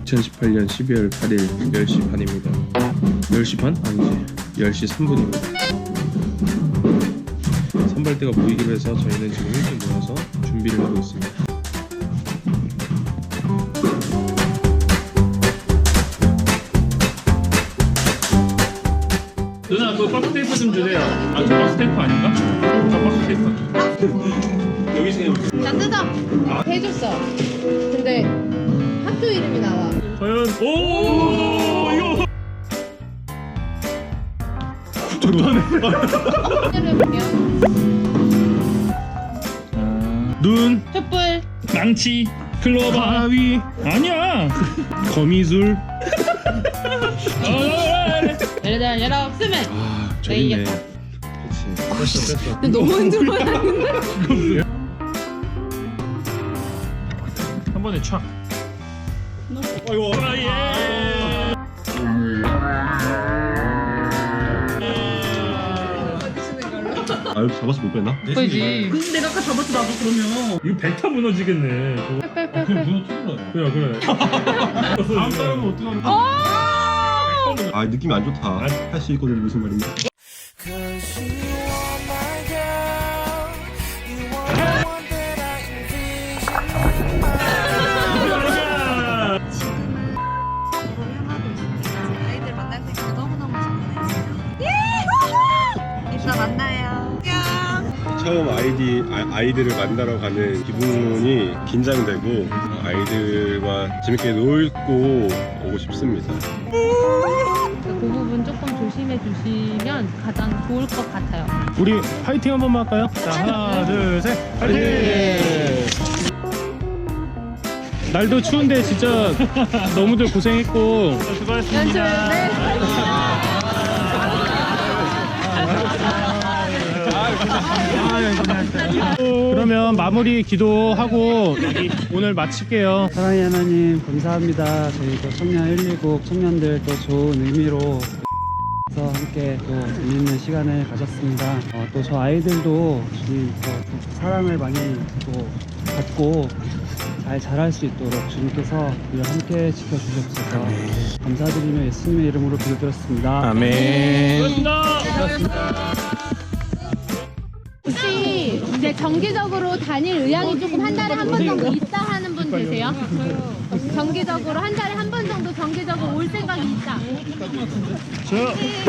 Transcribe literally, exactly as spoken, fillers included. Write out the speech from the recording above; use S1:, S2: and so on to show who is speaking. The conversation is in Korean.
S1: 이천십팔 년 십이월 팔일 열 시 반입니다. 열 시 반? 아니지, 열 시 삼 분입니다. 선발대가 모이기로 해서 저희는 지금 일찍 모여서 준비를 하고 있습니다.
S2: 누나 그 박스 테이프 좀 주세요. 아, 저 박스 테이프 아닌가? 저 박스 테이프. 여기서 해볼게요.
S3: 나 뜯어. 아. 해줬어. 근데 학교 이름이 나와.
S2: 과연 오 이거 좋다네.
S3: 해볼게요.
S2: 눈,
S3: 촛불.
S2: 망치, 클로버, 가위. 아니야. 거미줄.
S3: 얘네들 얘라 없으면.
S1: 아,
S3: 네,
S1: 저기네.
S3: 이겼다.
S1: 그치. 뺐어, 뺐어.
S3: 근데 너무 흔들어야
S2: 한 번에 촥. 아이고. 아, 예.
S1: 아, 여기 잡아서 못 뺐나?
S3: 보이지.
S4: 근데 내가 아까 잡았어 나도 그러면.
S2: 이거 벡터 무너지겠네. 저거.
S3: 빼빼빼빼.
S2: 그래 그래. 다음 사람은 어떡하는 거야?
S1: 아, 느낌이 안 좋다. 할 수 있거든, 무슨 말인지.
S5: 아이들 만날 수 있어서 너무너무 좋네요. 이따 만나요. 안녕.
S1: 처음 아이디, 아, 아이들을 만나러 가는 기분이 긴장되고 아이들과 재밌게 놀고 오고 싶습니다.
S3: 그 부분 조금 조심해 주시면 가장 좋을 것 같아요.
S2: 우리 파이팅 한 번만 할까요? 자, 하나, 둘, 셋, 파이팅! 날도 추운데 진짜 너무들 고생했고 수고하셨습니다. 그러면 마무리 기도하고 오늘 마칠게요.
S6: 사랑의 하나님 감사합니다. 저희 또 청년 일일국 청년들 또 좋은 의미로 서 함께 또 재밌는 시간을 가졌습니다. 어, 또 저 아이들도 주님 또 사랑을 많이 또 받고 잘 자랄 수 있도록 주님께서 우리와 함께 지켜주셨어서 감사드리며 예수님의 이름으로 기도드렸습니다.
S2: 아멘.
S3: 혹시 이제 정기적으로 다닐 의향이 조금 한 달에 한 번 정도 있다 하는 분 계세요? 정기적으로 한 달에 한 번 정도 정기적으로 올 생각이 있다.
S2: 저